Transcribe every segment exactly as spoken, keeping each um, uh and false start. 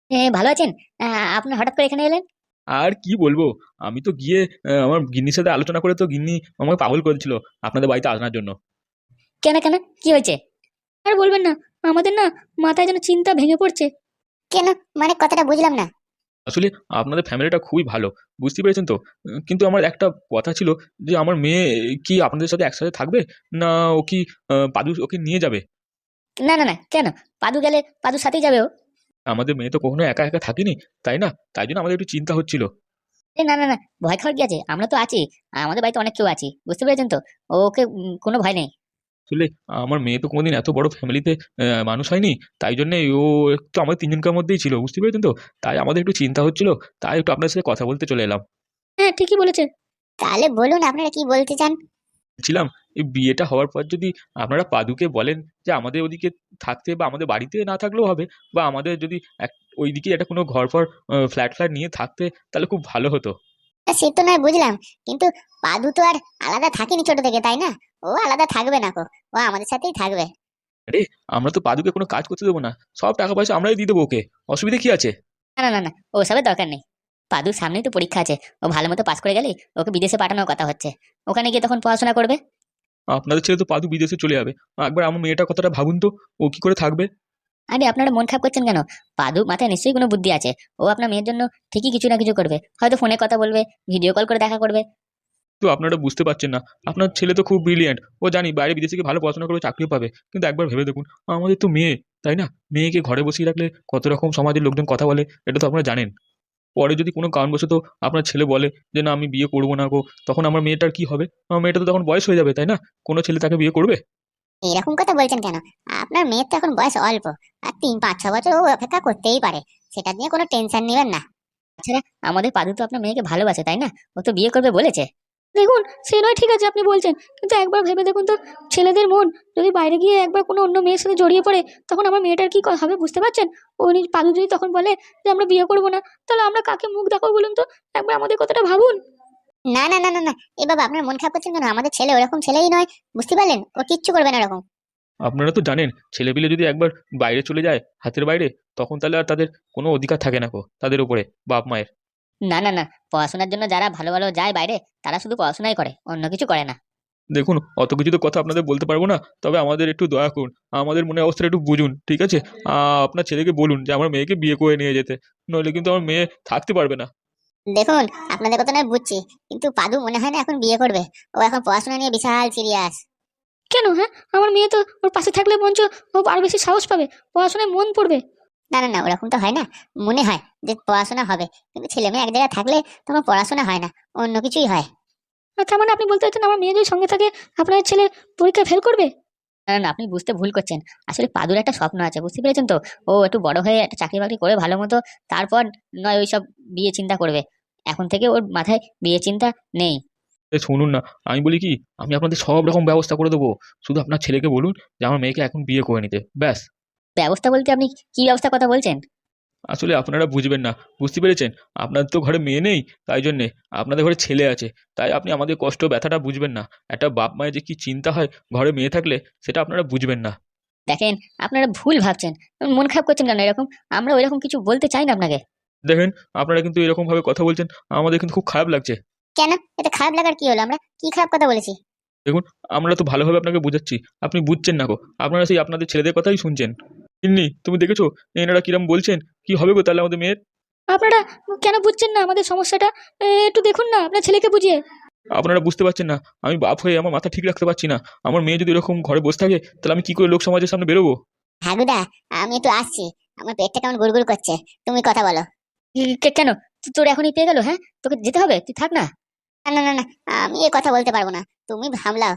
এ, ভালো আছেন? আ, আপনি হঠাৎ করে এখানে এলেন? আর কি বলবো? আমি তো গিয়ে আহ, আমার গিন্নির সাথে আলোচনা করে তো গিন্নি আমাকে পাগল করেছিল আপনাদের বাড়িতে আসার জন্য। কেন কেন, কি হয়েছে? আর বলবেন না, আমাদের না মাথায় যেন চিন্তা ভেঙে পড়ছে। কেন? মানে কথাটা বুঝলাম না। আসলে আপনাদের ফ্যামিলিটা খুবই ভালো, বুঝতে পেরেছেন তো। উম, কিন্তু আমার একটা কথা ছিল যে আমার মেয়ে কি আপনাদের সাথে একসাথে থাকবে, না ও কি আহ, পাদু ওকে নিয়ে যাবে? না না না, কেন? পাদু গেলে পাদুর সাথেই যাবে ও। আমাদের মেয়ে তো কখনো একা একা থাকেনি, তাই না? তাই জন্য আমাদের একটু চিন্তা হচ্ছিল। এ, না না না, ভয় খাওয়ার কি আছে? আমরা তো আছি। আমাদের বাড়িতে অনেক কেউ আছি, বুঝতে পেরেছেন তো। ওকে উম, কোনো ভয় নেই। আসলে আমার মেয়ে তো কোনোদিন এত বড় ফ্যামিলিতে মানুষ হয়নি, তাই জন্য ও একটু আমাদের তিনজনকার মধ্যেই ছিল, বুঝতে পেরেছেন তো। তাই আমাদের একটু চিন্তা হচ্ছিল, তাই একটু আপনার সাথে কথা বলতে চলে এলাম। হ্যাঁ, ঠিকই বলেছেন। তাহলে বলুন আপনারা কি বলতে চান। ছিলাম এই বিয়েটা হওয়ার পর যদি আপনারা পাদুকে বলেন যে আমাদের ওদিকে থাকতে, বা আমাদের বাড়িতে না থাকলেও হবে, বা আমাদের যদি এক ওইদিকে একটা কোনো ঘর ফর ফ্ল্যাট ফ্ল্যাট নিয়ে থাকতে, তাহলে খুব ভালো হতো। তা সে তো নয় বুঝলাম, কিন্তু পাদু তো আর আলাদা থাকেনি ছোট থেকে, তাই না? ও আলাদা থাকবে না কো, ও আমাদের সাথেই থাকবে। আরে, আমরা তো পাদুকে কোনো কাজ করতে দেবো না, সব টাকা পয়সা আমরাই দিয়ে দেবো ওকে। অসুবিধা কি আছে? না না না না, ওসবের দরকার নেই। পাদুর সামনেই তো পরীক্ষা আছে। ও ভালো মতো পাস করে গেলেই ওকে বিদেশে পাঠানোর কথা হচ্ছে। ওখানে গিয়ে তখন পড়াশোনা করবে। আপনাদের ছেলে তো পাদু বিদেশে চলে যাবে, একবার আমার মেয়েটার কথাটা ভাবুন তো, ও কি করে থাকবে? আরে, আপনারা মন খারাপ করছেন কেন? পাদু মাথায় নিশ্চয়ই কোনো বুদ্ধি আছে। ও আপনার মেয়ের জন্য ঠিকই কিছু না কিছু করবে, হয়তো ফোনে কথা বলবে, ভিডিও কল করে দেখা করবে। তো আপনারা বুঝতে পারছেন না, আপনার ছেলে তো খুব ব্রিলিয়েন্ট, ও জানি বাইরে বিদেশে গিয়ে ভালো পড়াশোনা করে চাকরিও পাবে, কিন্তু একবার ভেবে দেখুন, আমাদের তো মেয়ে, তাই না? মেয়েকে ঘরে বসিয়ে রাখলে কত রকম সমাজের লোকজন কথা বলে, এটা তো আপনারা জানেন। পরে যদি কোনো কারণবশত আপনার ছেলে বলে যে না আমি বিয়ে করবো না গো, তখন আমার মেয়েটার কি হবে? আমার মেয়েটা তো তখন বয়স হয়ে যাবে, তাই না? কোনো ছেলে তাকে বিয়ে করবে? এরকম কথা বলছেন কেন? আপনার মেয়ের তো এখন বয়স অল্প, আর তিন পাঁচ ছ বছর ও অপেক্ষা করতেই পারে। সেটা নিয়ে কোনো টেনশন নেবেন না। তাছাড়া আমাদের পাদু তো আপনার মেয়েকে ভালোবাসে, তাই না? ও তো বিয়ে করবে বলেছে। দেখুন, সে নয় ঠিক আছে আপনি বলছেন, কিন্তু একবার ভেবে দেখুন তো, ছেলেদের মন যদি বাইরে গিয়ে একবার কোনো অন্য মেয়ের সাথে জড়িয়ে পড়ে, তখন আমার মেয়েটার কি ক- হবে বুঝতে পারছেন? ও নিজ পাদু যদি তখন বলে যে আমরা বিয়ে করবো না, তাহলে আমরা কাকে মুখ দেখাবো বলুন তো? একবার আমাদের কথাটা ভাবুন। না না না না না, এ বাবা আপনার মন খারাপ করছেন কেন? আমাদের ছেলে ওরকম ছেলেই নয়, বুঝতে পারলেন? ও কিচ্ছু করবে না ওরকম। আপনারা তো জানেন, ছেলেপিলে যদি একবার বাইরে চলে যায় হাতের বাইরে, তখন তাহলে আর তাদের কোনো অধিকার থাকে না গো তাদের উপরে, বাপ মায়ের। না না না, পড়াশোনার জন্য যারা ভালো ভালো যায় বাইরে, তারা শুধু পড়াশোনাই করে, অন্য কিছু করে না। দেখুন, অত কিছু তো কথা আপনাদের বলতে পারবো না, তবে আমাদের একটু দয়া করুন, আমাদের মনে অবস্থাটা একটু বুঝুন, ঠিক আছে? আহ, আপনার ছেলেকে বলুন যে আমার মেয়েকে বিয়ে করে নিয়ে যেতে, নইলে কিন্তু আমার মেয়ে থাকতে পারবে না। দেখুন, আপনাদের কথা নয় বুঝছি, কিন্তু পাদু মনে হয় না এখন বিয়ে করবে। ও এখন পড়াশোনা নিয়ে বিশাল সিরিয়াস। কেন? হ্যাঁ, আমার মেয়ে তো ওর পাশে থাকলে মঞ্চ ও আরো বেশি সাহস পাবে, পড়াশোনায় মন পড়বে। না না না, ওরকম তো হয় না। মনে হয় যে পড়াশোনা হবে, কিন্তু ছেলে মেয়ে এক জায়গায় থাকলে তখন পড়াশোনা হয় না, অন্য কিছুই হয়। আর তার মানে আপনি বলতে চাচ্ছেন আমার মেয়ে যদি সঙ্গে থাকে, আপনার ছেলে পরীক্ষা ফেল করবে? না না, আপনি বুঝতে ভুল করছেন। আসলে পাদুর একটা স্বপ্ন আছে, বুঝতে পেরেছেন তো। ও একটু বড় হয়ে একটা চাকরি বাকরি করে ভালো মতো, তারপর নয় ওইসব বিয়ে চিন্তা করবে। এখন থেকে ওর মাথায় বিয়ে চিন্তা নেই। এ শুনুন না, আমি বলি কি, আমি আপনাদের সব রকম ব্যবস্থা করে দেবো, শুধু আপনার ছেলেকে বলুন যে আমার মেয়েকে এখন বিয়ে করে নিতে, ব্যাস। ব্যবস্থা বলতে আপনি কি ব্যবস্থা কথা বলছেন? আসলে আপনারা বুঝবেন না, বুঝতে পেরেছেন? আপনার তো ঘরে মেয়ে নেই, তাই জন্যে আপনাদের ঘরে ছেলে আছে, তাই আপনি আমাদের কষ্ট ব্যথাটা বুঝবেন না। একটা বাপ মায়ের যে কি চিন্তা হয় ঘরে মেয়ে থাকলে, সেটা আপনারা বুঝবেন না। দেখেন, আপনারা ভুল ভাবছেন। মন খারাপ করছেন কেন এরকম? আমরা ওইরকম কিছু বলতে চাই না আপনাকে। দেখেন, আপনারা কিন্তু এরকম ভাবে কথা বলছেন, আমাদের কিন্তু খুব খারাপ লাগছে। কেন? এটা খারাপ লাগার কি হলো? আমরা কি খারাপ কথা বলেছি? দেখুন, আমরা তো ভালোভাবে আপনাকে বোঝাচ্ছি, আপনি বুঝছেন না গো, আপনারা সেই আপনাদের ছেলেদের কথাই শুনছেন। তিন্নি, তুমি দেখেছো এনারা কিরম বলছেন? কি হবে গো তাহলে আমাদের মেয়ের? আপনারা কেন বুঝছেন না আমাদের সমস্যাটা? এ, একটু দেখুন না আপনার ছেলেকে বুঝিয়ে। আপনারা বুঝতে পারছেন না, আমি বাপ হয়ে আমার মাথা ঠিক রাখতে পারছি না। আমার মেয়ে যদি এরকম ঘরে বসে থাকে, তাহলে আমি কি করে লোক সমাজের সামনে বেরোবো? হাগুদা, আমি একটু আসছি। আমার পেটটা কেমন গুড়গুড় করছে। তুমি কথা বলো। কি- কে- কেন? তো- তোর এখনই পেয়ে গেল? হ্যাঁ, তোকে যেতে হবে, তুই থাক না। না না না না, আমি এ কথা বলতে পারবো না। তুমি সামলাও।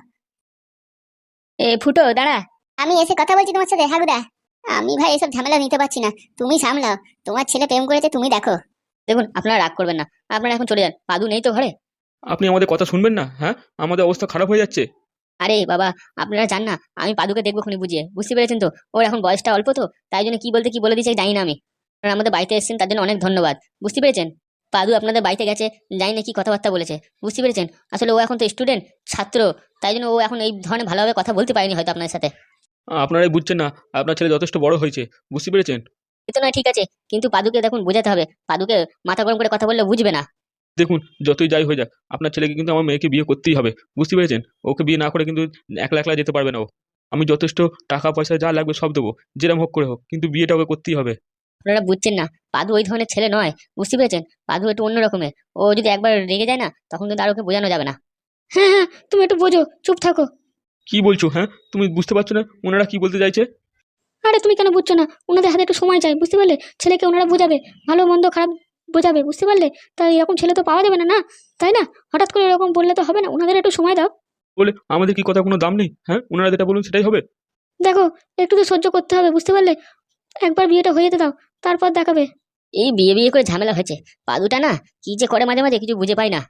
এ ফুটো, দাঁড়া। আমি এসে কথা বলছি তোমার সাথে, হাগুদা। আমি ভাই এসব ঝামেলা নিতে পারছি না। তুমি সামলাও। তোমার ছেলে প্রেম করেছে, তুমি দেখো। দেখুন, আপনারা রাগ করবেন না। আপনারা এখন চলে যান, পাদু নেই তো ঘরে। আপনি আমাদের কথা শুনবেন না? হ্যাঁ, আমাদের অবস্থা খারাপ হয়ে যাচ্ছে। আরে বাবা, আপনারা জান না, আমি পাদুকে দেখবো খুনি বুঝিয়ে, বুঝতে পেরেছেন তো। ওর এখন বয়সটা অল্প তো, তাই জন্য কি বলতে কি বলে দিয়েছে জানি না আমি। আপনারা আমাদের বাড়িতে এসেছেন, তার জন্য অনেক ধন্যবাদ, বুঝতে পেরেছেন। পাদু আপনাদের বাড়িতে গেছে, জানি না কি কথাবার্তা বলেছে, বুঝতে পেরেছেন। আসলে ও এখন তো স্টুডেন্ট, ছাত্র, তাই জন্য ও এখন এই ধরনের ভালোভাবে কথা বলতে পারেনি হয়তো আপনার সাথে। আপনারাই বুঝছেন না, আপনার ছেলে যথেষ্ট বড় হয়েছে, বুঝতে পেরেছেন? এ তো নয় ঠিক আছে, কিন্তু পাদুকে দেখুন বোঝাতে হবে, পাদুকে মাথা গরম করে কথা বললে বুঝবে না। দেখুন, যতই যাই হয়ে যাক, আপনার ছেলেকে কিন্তু আমার মেয়েকে বিয়ে করতেই হবে, বুঝতে পেরেছেন? ওকে বিয়ে না করে কিন্তু একলা একলা যেতে পারবে না ও। আমি যথেষ্ট টাকা পয়সা যা লাগবে সব দেবো, যেরকম হোক করে হোক, কিন্তু বিয়েটা ওকে করতেই হবে। আপনারা বুঝছেন না, পাদু ওই ধরনের ছেলে নয়, বুঝতে পেরেছেন? পাদু একটু অন্য রকমের, ও যদি একবার রেগে যায় না তখন কিন্তু আর ওকে বোঝানো যাবে না। হ্যাঁ হ্যাঁ, তুমি একটু বোঝো, চুপ থাকো। কি বলছো? হ্যাঁ, তুমি বুঝতে পারছো না ওনারা কি বলতে চাইছে? আরে তুমি কেন বুঝছো না? ওনাদের হাতে একটু সময় চাই, বুঝতে পারলে? ছেলেকে ওনারা বোঝাবে, ভালো মন্দ খারাপ বোঝাবে, বুঝতে পারলে? তাই এরকম ছেলে তো পাওয়া যাবে না, না? তাই না? হঠাৎ করে এরকম বললে তো হবে না, ওনাদের একটু সময় দাও। বলে আমাদের কি কথা কোনো দাম নেই? হ্যাঁ, ওনারা যেটা বলুন সেটাই হবে। দেখো, একটু তো সহ্য করতে হবে, বুঝতে পারলে? একবার বিয়েটা হয়ে যেতে দাও, তারপর দেখাবে। এই বিয়ে বিয়ে করে ঝামেলা হয়েছে, পাদুটা না কি যে করে মাঝে মাঝে কিছু বুঝে পাই না।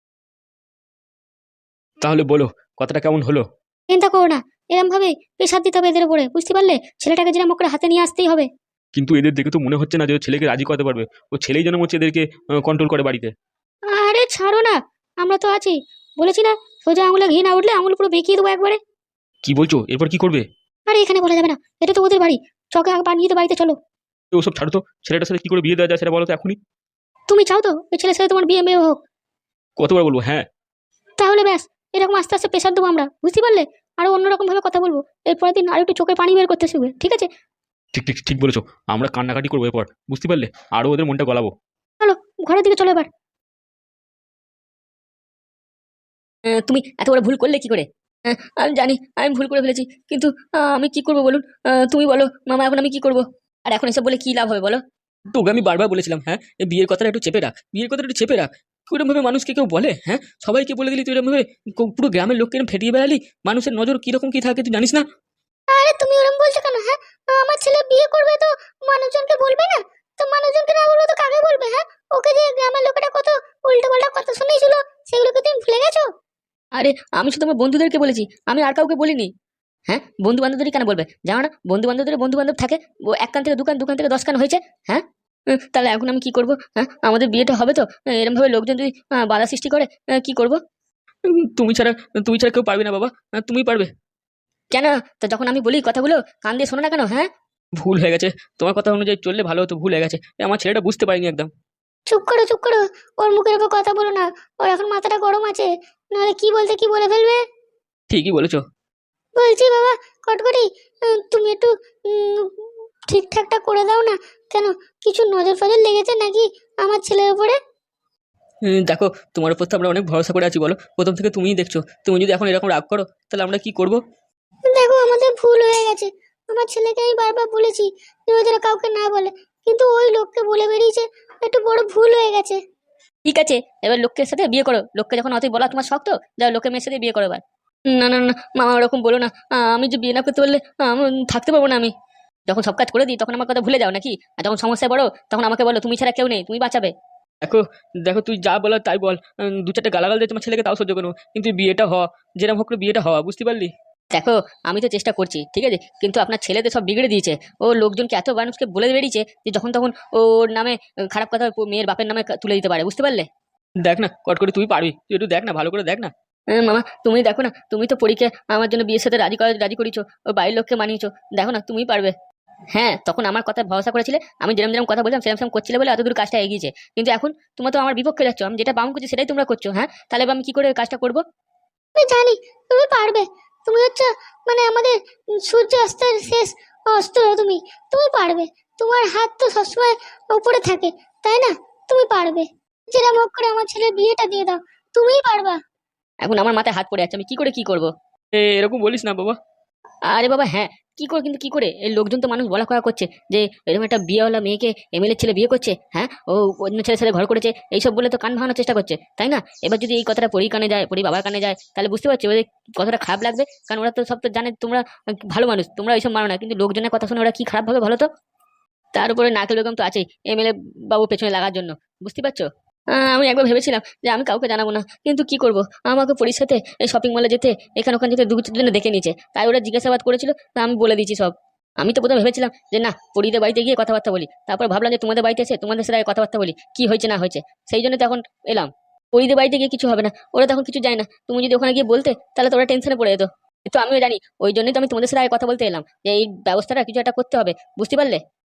তাহলে বলো, কথাটা কেমন হলো? চিন্তা করো না, এরম ভাবে প্রেশার দিতে হবে এদের উপরে, বুঝতে পারলে? ছেলেটাকে যেরকম করে হাতে নিয়ে আসতেই হবে। কিন্তু এদের দেখে তো মনে হচ্ছে না যে ও ছেলেকে রাজি করাতে পারবে। ও ছেলেই যেন হচ্ছে এদেরকে কন্ট্রোল করে বাড়িতে। আরে ছাড়ো না, আমরা তো আছি। বলেছি না, সোজা আঙুলে ঘি না উঠলে আঙুল পুরো বেঁকিয়ে দেবো একবারে। কি বলছো? এরপর কি করবে? আরে এখানে বলা যাবে না, এটা তো ওদের বাড়ি। চকে আগে বানিয়ে তো বাড়িতে চলো। তো ওসব ছাড়ো তো, ছেলেটার সাথে কি করে বিয়ে দেওয়া যায় সেটা বলো তো এখনই। তুমি চাও তো ওই ছেলের সাথে তোমার বিয়ে মেয়ে হোক? কতবার বলবো হ্যাঁ? তাহলে ব্যাস, এরকম আস্তে আস্তে প্রেশার দেবো আমরা, বুঝতে পারলে? আরো অন্যরকম ভাবে কথা বলবো। এরপরের দিন আর একটু চোখের পানি বের করতে শিখবে, ঠিক আছে? ঠিক ঠিক ঠিক বলেছো। আমরা কান্নাকাটি করবো এরপর, বুঝতে পারলে? আরো ওদের মনটা গলাবো। চলো, ঘরের দিকে চলো এবার। আহ, তুমি এত বড় ভুল করলে কি করে? আহ, আমি জানি আমি ভুল করে ফেলেছি, কিন্তু আহ, আমি কি করবো বলুন? আহ, তুমি বলো মামা, এখন আমি কি করবো? আর এখন এসব বলে কি লাভ হবে বলো? তোকে আমি বারবার বলেছিলাম, হ্যাঁ, এই বিয়ের কথাটা একটু চেপে রাখ, বিয়ের কথাটা একটু চেপে রাখ। কিরম ভাবে মানুষকে কেউ বলে, হ্যাঁ? সবাইকে বলে দিলি তুই এরকম ভাবে, কো- পুরো গ্রামের লোককে এরম ফেটিয়ে বেড়ালি। মানুষের নজর কিরকম কি থাকে তুই জানিস না? আরে তুমি ওরকম বলছো কেন? হ্যাঁ, আমার ছেলে বিয়ে করবে তো মানুষজনকে বলবে না? তো মানুষজনকে না বলবো তো কাকে বলবে? হ্যাঁ, ওকে যে গ্রামের লোকেরা কত উল্টো পাল্টা কথা শুনেছিল, সেগুলোকে তুমি ভুলে গেছো? আরে আমি শুধু আমার বন্ধুদেরকে বলেছি, আমি আর কাউকে বলিনি। হ্যাঁ, বন্ধু বান্ধবদেরই কেন বলবে? জানো না, বন্ধু বান্ধবদের বন্ধু বান্ধব থাকে, ও এক কান থেকে দু কান, দু কান থেকে দশ কান হয়েছে। হ্যাঁ, উম, তাহলে এখন আমি কি করব? হ্যাঁ, আমাদের বিয়েটা হবে তো, এরকম ভাবে লোকজন যদি আহ, বাধা সৃষ্টি করে, আহ, কি করব? উম, তুমি ছাড়া তুমি ছাড়া কেউ পারবে না বাবা, আহ, তুমিই পারবে। কেন? তো যখন আমি বলি কথাগুলো কান দিয়ে শোনো না কেন? হ্যাঁ, ভুল হয়ে গেছে, তোমার কথা অনুযায়ী চললে ভালো হতো, ভুল হয়ে গেছে। এ, আমার ছেলেটা বুঝতে পারিনি একদম। চুপ করো, চুপ করো। ওর মুখের উপর কথা বলো না, ওর এখন মাথাটা গরম আছে, নাহলে কি বলতে কি বলে ফেলবে। ঠিকই বলেছো। বলছি বাবা কটকটি, উম, তুমি একটু উম, ঠিকঠাকটা করে দাও না। কেন, কিছু নজর ফজর লেগেছে নাকি আমার ছেলের উপরে? উম, দেখো, তোমার উপর তো আমরা অনেক ভরসা করে আছি, বলো, প্রথম থেকে তুমিই দেখছো। তুমি যদি এখন এরকম রাগ করো তাহলে আমরা কি করব? দেখো, আমাদের ভুল হয়ে গেছে। আমার ছেলেকে আমি বারবার বলেছি যে ও যেন কাউকে না বলে, কিন্তু ওই লোককে বলে বেরিয়েছে। একটু বড় ভুল হয়ে গেছে। ঠিক আছে, এবার লোকের সাথে বিয়ে করো। লোককে যখন অতই বলা তোমার শক্ত, যাও লোকের মেয়ের সাথে বিয়ে করো এবার। না না না, মামা ওরকম বলো না। আহ, আমি যে বিয়ে না করতে পারলে আহ, আমি থাকতে পারবো না আমি। যখন সব কাজ করে দিই তখন আমার কথা ভুলে যাও নাকি? আর যখন সমস্যায় বড় তখন আমাকে বলো, তুমি ছাড়া কেউ নেই, তুমি বাঁচাবে। দেখো, দেখো তুই যা বলার তাই বল। উম, দু চারটে গালাগাল দিয়ে তোমার ছেলেকে তাও সহ্য করবো, কিন্তু বিয়েটা হওয়া, যেরকম হোক করে বিয়েটা হওয়া, বুঝতে পারলি? দেখো, আমি তো চেষ্টা করছি, ঠিক আছে, কিন্তু আপনার ছেলেদের সব বিগড়ে দিয়েছে। ও লোকজনকে এত মানুষকে বলে বেরিয়েছে যে যখন তখন ওর নামে আহ, খারাপ কথা ও মেয়ের বাপের নামে তুলে দিতে পারে, বুঝতে পারলে? দেখ না, কট করে তুই পারবি, তুই একটু দেখ না, ভালো করে দেখ না। হ্যাঁ, মামা তুমি দেখো না, তুমি তো পরীক্ষা আমার জন্য বিয়ের সাথে রাজি করা রাজি করিয়েছো, ও বাড়ির লোককে মানিয়েছো। দেখো না, তুমিই পারবে। হ্যাঁ, তখন আমার কথা ভরসা করেছিলে, আমি যেরকম যেরকম কথা বললাম সেরকম সেরকম করছিলে বলে এতদূর কাজটা এগিয়েছে। কিন্তু এখন তোমরা তো আমার বিপক্ষে যাচ্ছ, আমি যেটা বাম করছি সেটাই তোমরা করছো। হ্যাঁ, তাহলে এবার আমি কি করে কাজটা করবো? আমি জানি তুমি পারবে। তুমি হচ্ছে মানে আমাদের সূর্যাস্তের শেষ অস্ত্র। তুমি তুমি পারবে। তোমার হাত তো সবসময় উপরে থাকে, তাই না? তুমি পারবে। যেরকম হোক করে আমার ছেলের বিয়েটা দিয়ে দাও, তুমিই পারবা। এখন আমার মাথায় হাত পড়ে যাচ্ছে, আমি কি করে কি করব? এ, এরকম বলিস না বাবা। আরে বাবা হ্যাঁ, কি করে, কিন্তু কি করে? এই লোকজন তো মানুষ বলা কয়া করছে যে এরকম একটা বিয়েওয়ালা মেয়েকে এমএলএ ছেলে বিয়ে করছে। হ্যাঁ, ও অন্য ছেলের সাথে ঘর করেছে, এইসব বলে তো কান ভাঙানোর চেষ্টা করছে, তাই না? এবার যদি এই কথাটা পরি কানে যায়, পরি বাবার কানে যায়, তাহলে বুঝতে পারছি ওদের কতটা খারাপ লাগবে। কারণ ওরা তো সব তো জানে তোমরা ভালো মানুষ, তোমরা এইসব মানো না, কিন্তু লোকজনের কথা শুনে ওরা কি খারাপ ভাবে ভালো তো। তার উপরে নারকেল বেগম তো আছেই এমএলএ বাবু পেছনে লাগার জন্য, বুঝতে পারছো? আহ, আমি একবার ভেবেছিলাম যে আমি কাউকে জানাবো না, কিন্তু কি করব, আমাকে পরির সাথে এই শপিং মলে যেতে, এখানে ওখানে যেতে দুজনে দেখে নিয়েছে, তাই ওরা জিজ্ঞাসাবাদ করেছিল, তা আমি বলে দিয়েছি সব। আমি তো প্রথমে ভেবেছিলাম যে না, পরিদের বাড়িতে গিয়ে কথাবার্তা বলি, তারপর ভাবলাম যে তোমাদের বাড়িতে এসে তোমাদের সাথে আগে কথাবার্তা বলি, কি হয়েছে না হয়েছে। সেই জন্য তো এখন এলাম। পরিদের বাড়িতে গিয়ে কিছু হবে না, ওরা তখন কিছু যায় না, তুমি যদি ওখানে গিয়ে বলতে তাহলে তো ওরা টেনশনে পড়ে যেত। তো আমিও জানি, ওই জন্যই তো আমি তোমাদের সাথে আগে কথা বলতে এলাম যে এই ব্যবস্থাটা কিছু একটা করতে হবে, বুঝতে পারলে?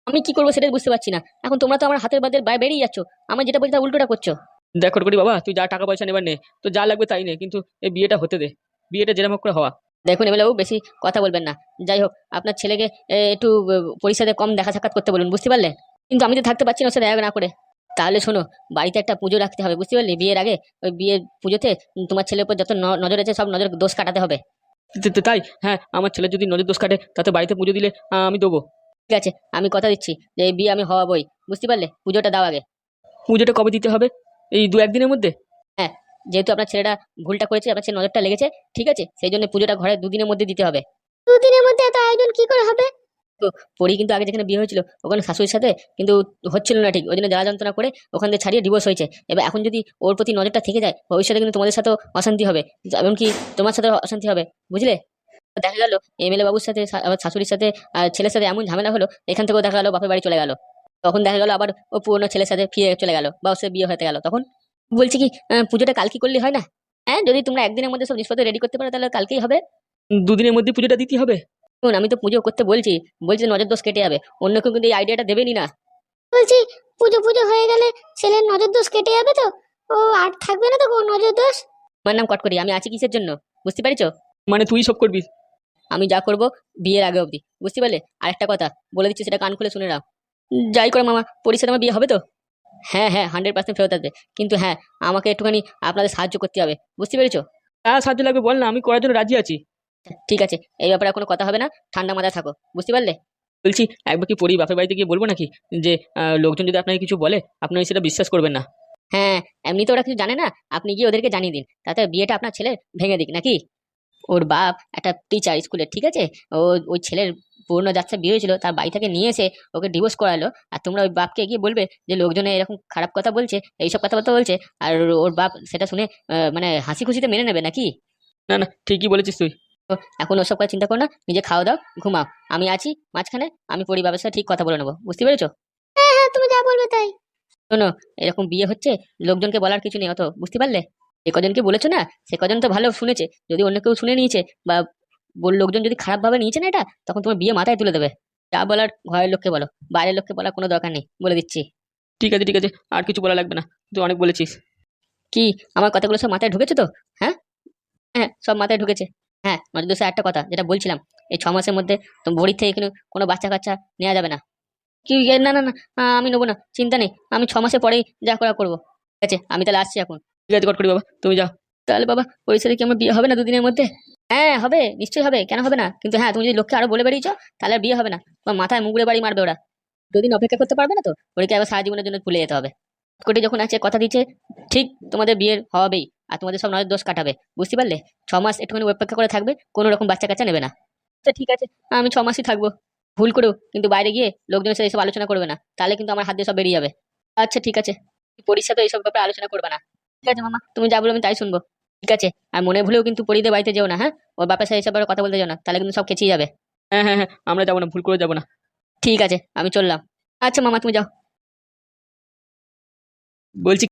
আমি কি করবো সেটাই বুঝতে পারছি না। এখন তোমরা তো আমার হাতের বাদের বাইরে বেরিয়ে যাচ্ছ, আমি যেটা বলছি তার উল্টোটা করছো। দেখ করি বাবা, তুই যা টাকা পয়সা নেবার নে, তো যা লাগবে তাই নে, কিন্তু এই বিয়েটা হতে দে। বিয়েটা যেরকম হোক করে হওয়া। দেখুন এমএলএ বাবু, বেশি কথা বলবেন না। যাই হোক, আপনার ছেলেকে এ, একটু এ, পরিষদে কম দেখা সাক্ষাৎ করতে বলুন, বুঝতে পারলে? কিন্তু আমি তো থাকতে পারছি না ওর সাথে দেখা না করে। তাহলে শোনো, বাড়িতে একটা পুজো রাখতে হবে, বুঝতে পারলি? বিয়ের আগে ওই বিয়ের পুজোতে তোমার ছেলের উপর যত ন- নজর আছে সব নজর দোষ কাটাতে হবে। তা- তা- তাই হ্যাঁ, আমার ছেলে যদি নজর দোষ কাটে তাতে বাড়িতে পুজো দিলে আহ, আমি দেবো। ঠিক আছে, আমি কথা দিচ্ছি যে এই বিয়ে আমি হওয়াবই, বুঝতে পারলে? পুজোটা দাও আগে। পুজোটা কবে দিতে হবে? এই দু একদিনের মধ্যে? হ্যাঁ, যেহেতু আপনার ছেলেটা ভুলটা করেছে, আপনার ছেলে নজরটা লেগেছে, ঠিক আছে, সেই জন্য পুজোটা ঘরে দুদিনের মধ্যে দিতে হবে। দুদিনের মধ্যে এত আয়োজন কি করে হবে? তো পরি কিন্তু আগে যেখানে বিয়ে হয়েছিল ওখানে শাশুড়ির সাথে কিন্তু হচ্ছিল না ঠিক, ওই জন্য জ্বালা যন্ত্রণা করে ওখান থেকে ছাড়িয়ে ডিভোর্স হয়েছে। এবার এখন যদি ওর প্রতি নজরটা থেকে যায়, ভবিষ্যতে কিন্তু তোমাদের সাথেও অশান্তি হবে, এমনকি তোমার সাথেও অশান্তি হবে, বুঝলে? দেখা গেল এমএলএ বাবুর সাথে শা- আবার শাশুড়ির সাথে আর ছেলের সাথে এমন ঝামেলা হলো, এখান থেকেও দেখা গেল বাপের বাড়ি চলে গেল। তখন দেখা গেল আবার ও পুরনো ছেলের সাথে ফিরে চলে গেল বা ওর সাথে বিয়ে হতে গেল। তখন বলছি কি, আহ, পুজোটা কালকে করলে হয় না? হ্যাঁ, যদি তোমরা একদিনের মধ্যে সব জিনিসপত্র রেডি করতে পারো তাহলে কালকেই হবে। দুদিনের মধ্যে পুজোটা দিতে হবে? শুনুন, আমি তো পুজো করতে বলছি, বলছি নজর দোষ কেটে যাবে, অন্য কেউ কিন্তু এই আইডিয়াটা দেবেনি না। বলছি পুজো পুজো হয়ে গেলে ছেলের নজর দোষ কেটে যাবে তো? ও আর থাকবে না তো কোনো নজর দোষ? আমার নাম কটকরি, আমি আছি কিসের জন্য, বুঝতে পারছো? মানে তুই সব করবি? আমি যা করব বিয়ের আগে অবধি, বুঝতে পারলে? আরেকটা কথা বলে দিচ্ছি, সেটা কান খুলে শুনে নাও। উম, যাই করে মামা, পরিষেবা আমার বিয়ে হবে তো? হ্যাঁ হ্যাঁ, হান্ড্রেড পার্সেন্ট ফেরত আসবে, কিন্তু হ্যাঁ, আমাকে একটুখানি আপনাদের সাহায্য করতে হবে, বুঝতে পেরেছো? তা সাহায্য লাগবে বল না, আমি করার জন্য রাজি আছি। ঠিক আছে, এই ব্যাপারে আর কোনো কথা হবে না, ঠান্ডা মাথায় থাকো, বুঝতে পারলে? বলছি, একবার কি পরি বাপের বাড়িতে গিয়ে বলবো নাকি যে আহ, লোকজন যদি আপনাকে কিছু বলে আপনি সেটা বিশ্বাস করবেন না? হ্যাঁ, এমনিতে ওরা কিছু জানে না, আপনি গিয়ে ওদেরকে জানিয়ে দিন, তাতে বিয়েটা আপনার ছেলে ভেঙে দিক নাকি? ওর বাপ একটা টিচার স্কুলে, ঠিক আছে? ও ওই ছেলের পুরনো যাচ্ছে বিয়ে হয়েছিল, তার বাড়ি থেকে নিয়ে এসে ওকে ডিভোর্স করালো, আর তোমরা ওই বাপকে গিয়ে বলবে যে লোকজনে এরকম খারাপ কথা বলছে, এইসব কথাবার্তা বলছে, আর ওর বাপ সেটা শুনে আহ, মানে হাসি খুশিতে মেনে নেবে নাকি? না না, ঠিকই বলেছিস তুই। তো এখন ওসব কথা চিন্তা করো না, নিজে খাওয়া দাও, ঘুমাও, আমি আছি মাঝখানে, আমি পরিবারের সাথে ঠিক কথা বলে নেবো, বুঝতে পেরেছো? হ্যাঁ হ্যাঁ, তুমি যা বলবে তাই। শোনো, এরকম বিয়ে হচ্ছে, লোকজনকে বলার কিছু নেই অত, বুঝতে পারলে? যে কজনকে বলেছো না, সে কজন তো ভালো শুনেছে, যদি অন্য কেউ শুনে নিয়েছে বা বল- লোকজন যদি খারাপ ভাবে নিয়েছে না এটা, তখন তোমার বিয়ে মাথায় তুলে দেবে। যা বলার ঘরের লোককে বলো, বাইরের লোককে বলার কোনো দরকার নেই, বলে দিচ্ছি। ঠিক আছে ঠিক আছে, আর কিছু বলা লাগবে না, তুই অনেক বলেছিস। কি, আমার কথাগুলো সব মাথায় ঢুকেছে তো? হ্যাঁ হ্যাঁ, সব মাথায় ঢুকেছে। হ্যাঁ, নজর দোষে একটা কথা যেটা বলছিলাম, এই ছ মাসের মধ্যে তো বড়ির থেকে এখানে কোনো বাচ্চা কাচ্চা নেওয়া যাবে না। কি এ, না না না, আ, আমি নেবো না, চিন্তা নেই, আমি ছ মাসের পরেই যা করা করবো। ঠিক আছে, আমি তাহলে আসছি এখন। ঠিক আছে করি বাবা, তুমি যাও। তাহলে বাবা, ওই সাথে কি আমার বিয়ে হবে না দুদিনের মধ্যে? হ্যাঁ হবে, নিশ্চয়ই হবে, কেন হবে না? কিন্তু হ্যাঁ, তুমি যদি লোককে আরো বলে বেরিয়েছো তাহলে আর বিয়ে হবে না, তোমার মাথায় মুগড়ে বাড়ি মারবে ওরা। দুদিন অপেক্ষা করতে পারবে না তো? ওদেরকে আবার সারা জীবনের জন্য ভুলে যেতে হবে। কোটি যখন আছে কথা দিচ্ছে, ঠিক তোমাদের বিয়ের হবেই, আর তোমাদের সব নয় দোষ কাটাবে, বুঝতে পারলে? ছ মাস একটুখানি অপেক্ষা করে থাকবে, কোনো রকম বাচ্চা কাচ্চা নেবে না। আচ্ছা ঠিক আছে, আমি ছ মাসই থাকবো। ভুল করেও কিন্তু বাইরে গিয়ে লোকজনের সাথে এসব আলোচনা করবে না, তাহলে কিন্তু আমার হাত দিয়ে সব বেরিয়ে যাবে। আচ্ছা ঠিক আছে, পরীর সাথে এইসব ব্যাপারে আলোচনা করবে না। ঠিক আছে মামা, তুমি যা বলো আমি তাই শুনবো। ঠিক আছে, আর মনে ভুলেও কিন্তু পরীদের বাড়িতে যেও না, হ্যাঁ? ওর বাপের সাথে এসব ব্যাপারে কথা বলতে যেও না, তাহলে কিন্তু সব খেঁচিয়ে যাবে। হ্যাঁ হ্যাঁ হ্যাঁ, আমরা যাবো না, ভুল করে যাবো না। ঠিক আছে, আমি চললাম। আচ্ছা মামা, তুমি যাও। বলছি